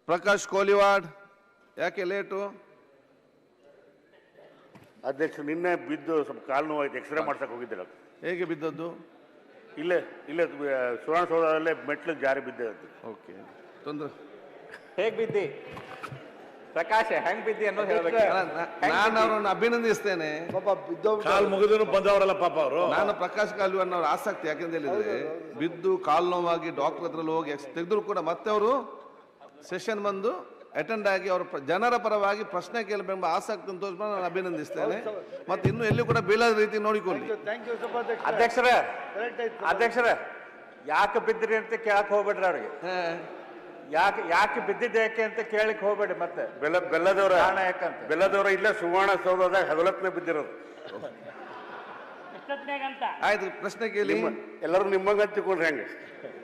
ಪ್ರಕಾಶ್ ಕೋಲಿವಾಡ್, ಯಾಕೆ ಲೇಟು? ಅಧ್ಯಕ್ಷ ನಿನ್ನೆ ಬಿದ್ದು ಸ್ವಲ್ಪ ಕಾಲು ನೋವಾಯ್ತು, ಎಕ್ಸ್ರೇ ಮಾಡ್ಸಕ್ಕೆ ಹೋಗಿದ್ದಿಲ್ಲ. ಹೇಗೆ ಬಿದ್ದದ್ದು? ಇಲ್ಲೇ ಇಲ್ಲೇ ಸುವರ್ಣಸೌಧದಲ್ಲೇ ಮೆಟ್ಲು ಜಾರಿ ಬಿದ್ದೆ. ಓಕೆ, ತೊಂದರೆ. ಹೇಗ್ ಬಿದ್ದಿ ಪ್ರಕಾಶ್, ಹೆಂಗ್ ಬಿದ್ದಿ ಅನ್ನೋದು ಹೇಳ್ಬೇಕು. ನಾನು ಅವರನ್ನು ಅಭಿನಂದಿಸ್ತೇನೆ. ಕಾಲು ಮುಗಿದ್ರು ಬಂದವರಲ್ಲ ಪಾಪ ಅವರು. ನಾನು ಪ್ರಕಾಶ್ ಕಾಲಿವಾಡ್ ಅವ್ರ ಆಸಕ್ತಿ ಯಾಕೆಂತ ಹೇಳಿದ್ರೆ, ಬಿದ್ದು ಕಾಲು ನೋವಾಗಿ ಡಾಕ್ಟರ್ ಹತ್ರ ಹೋಗಿ ತೆಗೆದ್ರು ಕೂಡ ಮತ್ತೆ ಅವರು ಸೆಷನ್ ಬಂದು ಅಟೆಂಡ್ ಆಗಿ ಅವರು ಜನರ ಪರವಾಗಿ ಪ್ರಶ್ನೆ ಕೇಳಬೇಕೆಂಬ ಆಸಕ್ತಿ ತೋರಿಸ್ಕೊಂಡು ನಾನು ಅಭಿನಂದಿಸ್ತೇನೆ. ಮತ್ತೆ ಇನ್ನು ಎಲ್ಲಿ ಕೂಡ ಬೀಳದ ರೀತಿ ನೋಡಿಕೊಳ್ಳಿ. ಅಧ್ಯಕ್ಷರ ಯಾಕೆ ಬಿದ್ದಿರಿ ಅಂತ ಕೇಳಕ್ ಹೋಗ್ಬೇಡ್ರಿ ಅವ್ರಿಗೆ. ಯಾಕೆ ಬಿದ್ದಿದ್ದೆ ಯಾಕೆ ಅಂತ ಕೇಳಕ್ ಹೋಗ್ಬೇಡಿ. ಮತ್ತೆ ಬೆಲ್ಲದವರ ಯಾಕಂತ ಬೆಲ್ಲದವರ ಇಲ್ಲೇ ಸುವರ್ಣಸೌಧದಾಗ ಹಗಲತ್ನೇ ಬಿದ್ದಿರೋದು. ಆಯ್ತು, ಪ್ರಶ್ನೆ ಕೇಳಿ. ಎಲ್ಲರೂ ನಿಮ್ಮಂಗ ಹಂಚಿಕೊಂಡ್ರೆ ಹೆಂಗೆ?